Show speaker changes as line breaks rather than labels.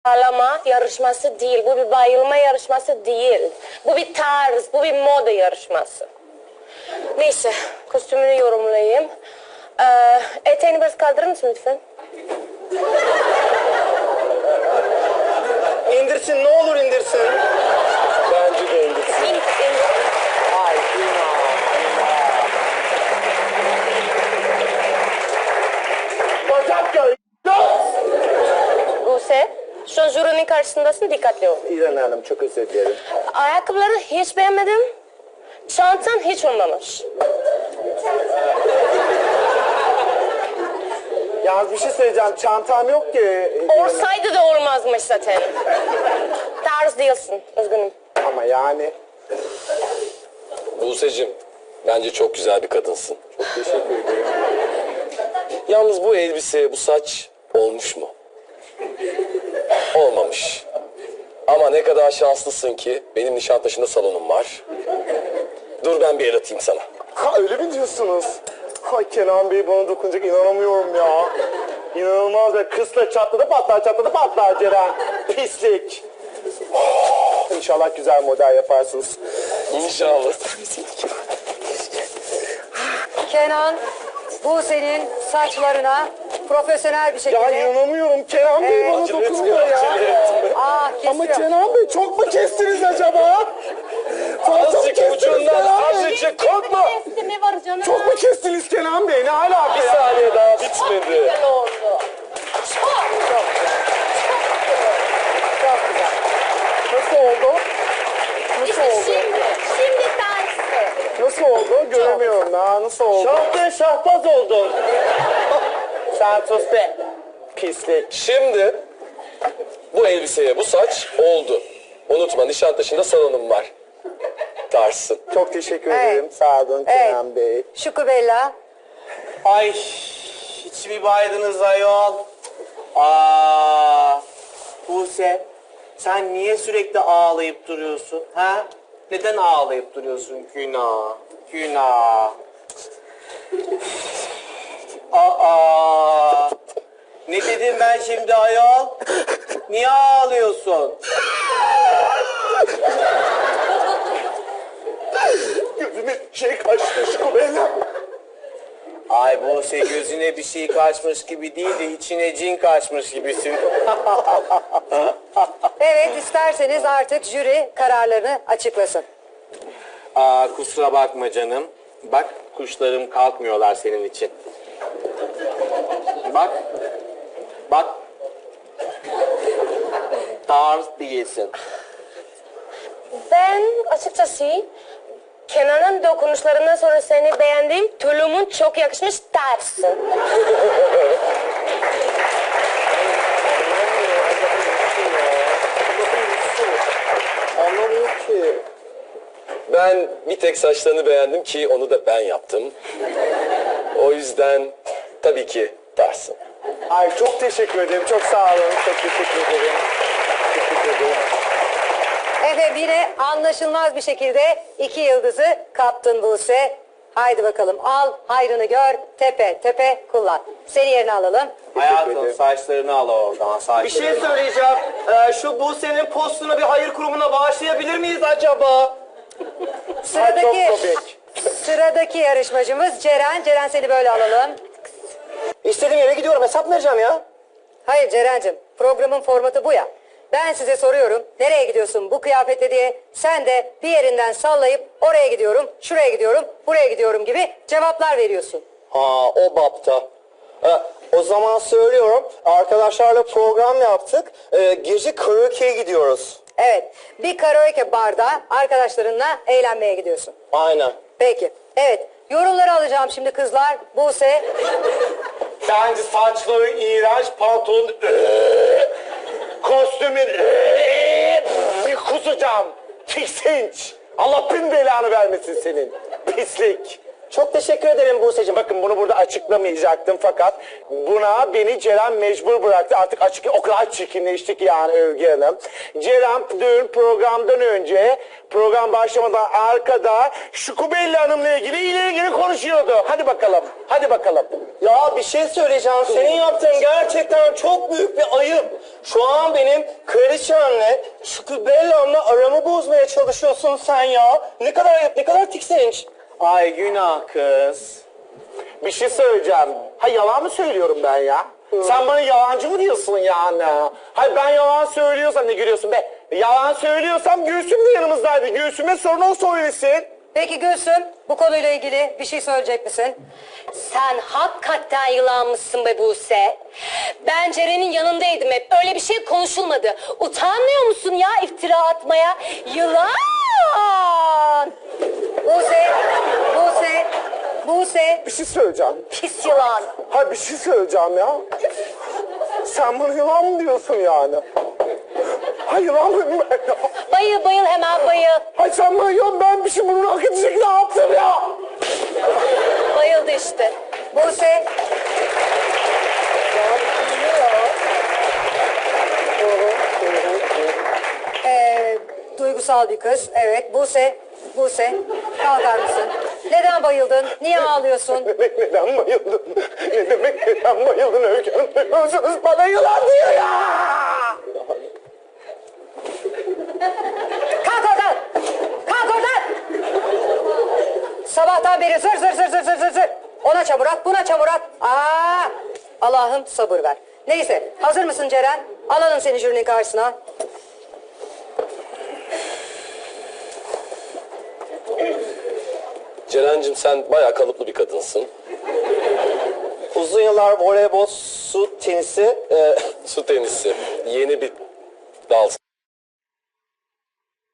Ağlama yarışması değil, bu bir bayılma yarışması değil. Bu bir tarz, bu bir moda yarışması. Neyse, kostümünü yorumlayayım. Eteğini biraz kaldırır mısın lütfen?
İndirsin, ne olur indirsin. Bence de indirsin. Ay, Bacak göğü.
Buse, şu an jürinin karşısındasın, dikkatli ol.
İrem Hanım, çok özür dilerim.
Ayakkabıları hiç beğenmedim. Çantan hiç olmamış.
Yalnız bir şey söyleyeceğim, çantam yok ki.
Olsaydı da olmazmış zaten. Tarz değilsin, üzgünüm.
Ama yani.
Buse'cim, bence çok güzel bir kadınsın.
Çok teşekkür ederim.
Yalnız bu elbise, bu saç olmuş mu? Olmamış. Ama ne kadar şanslısın ki benim Nişantaşı'nda salonum var. Dur ben bir el atayım sana.
Ha, öyle mi diyorsunuz? Ay Kenan Bey bana dokunacak, inanamıyorum ya. İnanılmaz be, kısla çatladı patlar Ceren. Pislik. Oh, İnşallah güzel model yaparsınız.
İnşallah.
Kenan, bu senin saçlarına profesyonel bir şekilde...
Ya inanamıyorum, Kenan Bey bana
Acele
dokunuyor
etmiyor,
ya.
acele etme.
Ama Kenan Bey çok mu kestiniz acaba? Fazla mı
Azıcık
kestiniz
ucundan,
Kenan Bey?
azıcık korkma.
Ne var canım?
Çok mu kestiniz Kenan Bey? Ne alaka
Bir
ya?
saniye daha bitmedi.
Güzel oldu. Çok.
Çok güzel.
Nasıl oldu? Nasıl oldu?
Şimdi tersi.
Nasıl oldu? Göremiyorum daha. Nasıl oldu? Şahbaz oldun. Sen sus be. Pislik.
Şimdi bu elbiseye bu saç oldu. Unutma Nişantaşı'nda salonum var. Tarsın.
Çok teşekkür
Evet.
ederim. Sağ olun
Evet.
Kenan Bey.
Şukubella.
Ay hiç mi baydınız ayol? Buse sen niye sürekli ağlayıp duruyorsun ha? Neden ağlayıp duruyorsun? Günah, günah. Ne dedim ben şimdi ayol? Niye ağlıyorsun?
Gözüme şey kaçtı Şukubella.
Ay Buse gözüne bir şey kaçmış gibi değil de içine cin kaçmış gibisin.
Evet, isterseniz artık jüri kararlarını açıklasın.
Kusura bakma canım. Bak kuşlarım kalkmıyorlar senin için. Bak. Bak. Tarz değilsin.
Ben açıkçası Kenan'ın dokunuşlarından sonra seni beğendim. Tulumun çok yakışmış tersi.
Anlamıyor ki.
Ben bir tek saçlarını beğendim ki onu da ben yaptım. O yüzden tabii ki tarsın.
Ay çok teşekkür ederim. Çok sağ olun. Çok teşekkür ederim. Teşekkür ederim.
Efendim yine anlaşılmaz bir şekilde 2 yıldızı kaptın Buse. Haydi bakalım al, hayrını gör, tepe tepe kullan. Seni yerine alalım.
Hayatım saçlarını al oradan. Saçlarını.
Bir şey söyleyeceğim. Şu Buse'nin postunu bir hayır kurumuna bağışlayabilir miyiz acaba?
Sıradaki,
çok komik.
sıradaki yarışmacımız Ceren. Ceren seni böyle alalım.
İstediğim yere gidiyorum. Hesap vereceğim ya.
Hayır Ceren'cim, programın formatı bu ya. Ben size soruyorum, nereye gidiyorsun bu kıyafetle diye. Sen de bir yerinden sallayıp oraya gidiyorum, şuraya gidiyorum, buraya gidiyorum gibi cevaplar veriyorsun.
Ha o bapta. O zaman söylüyorum. Arkadaşlarla program yaptık. Gece karaoke'ye gidiyoruz.
Evet, bir karaoke barda arkadaşlarınla eğlenmeye gidiyorsun.
Aynen.
Peki, evet. Yorumları alacağım şimdi kızlar. Buse,
Bence saçları iğrenç, pantolon kostümün kusacağım. Tiksinç. Allah bin belanı vermesin senin. Pislik. Çok teşekkür ederim Buse'cim. Bakın bunu burada açıklamayacaktım fakat buna beni Ceren mecbur bıraktı. Artık açık, o kadar çirkinleştik yani Övgü Hanım. Ceren dün programdan önce, program başlamadan arkada Şukubelli Hanım'la ilgili ileri konuşuyordu. Hadi bakalım, hadi bakalım.
Ya bir şey söyleyeceğim. Senin yaptığın gerçekten çok büyük bir ayıp. Şu an benim kraliçemle, Şükübellam'la aramı bozmaya çalışıyorsun sen ya. Ne kadar ayıp, ne kadar tiksinç.
Ay günah kız.
Bir şey söyleyeceğim. Ha yalan mı söylüyorum ben ya? Sen bana yalancı mı diyorsun yani? Hayır ben yalan söylüyorsam ne gülüyorsun be? Yalan söylüyorsam Gülsüm de yanımızdaydı. Gülsüm'e sorun o söylesin.
Peki Gülsüm, bu konuyla ilgili bir şey söyleyecek misin?
Sen hakikaten yılanmışsın be Buse. Ben Ceren'in yanındaydım hep. Öyle bir şey konuşulmadı. Utanmıyor musun ya iftira atmaya? Yılan!
Buse,
Bir şey söyleyeceğim.
Pis yılan.
Hayır bir şey söyleyeceğim ya. Sen bana yılan mı diyorsun yani? Hayır yılan mıyım ben ya?
Bayıl bayıl hemen bayıl.
Hayır sen bana yılan, ben bir şey bunu hak edecek ne yaptım ya?
Bayıldı işte.
Buse. Duygusal bir kız. Evet, Buse, kalkar mısın? Neden bayıldın? Niye ağlıyorsun?
Neden bayıldın? Ne demek neden bayıldın Öykü Hanım? Duyuyorsunuz bana yılan diyor ya!
Kalk oradan! Kalk oradan! Sabahtan beri zır. Ona çamur at, buna çamur at. Allah'ım sabır ver. Neyse, hazır mısın Ceren? Alalım seni jürinin karşısına.
Ceren'cim sen bayağı kalıplı bir kadınsın.
Uzun yıllar voleybol, su tenisi,
Su tenisi yeni bir dal.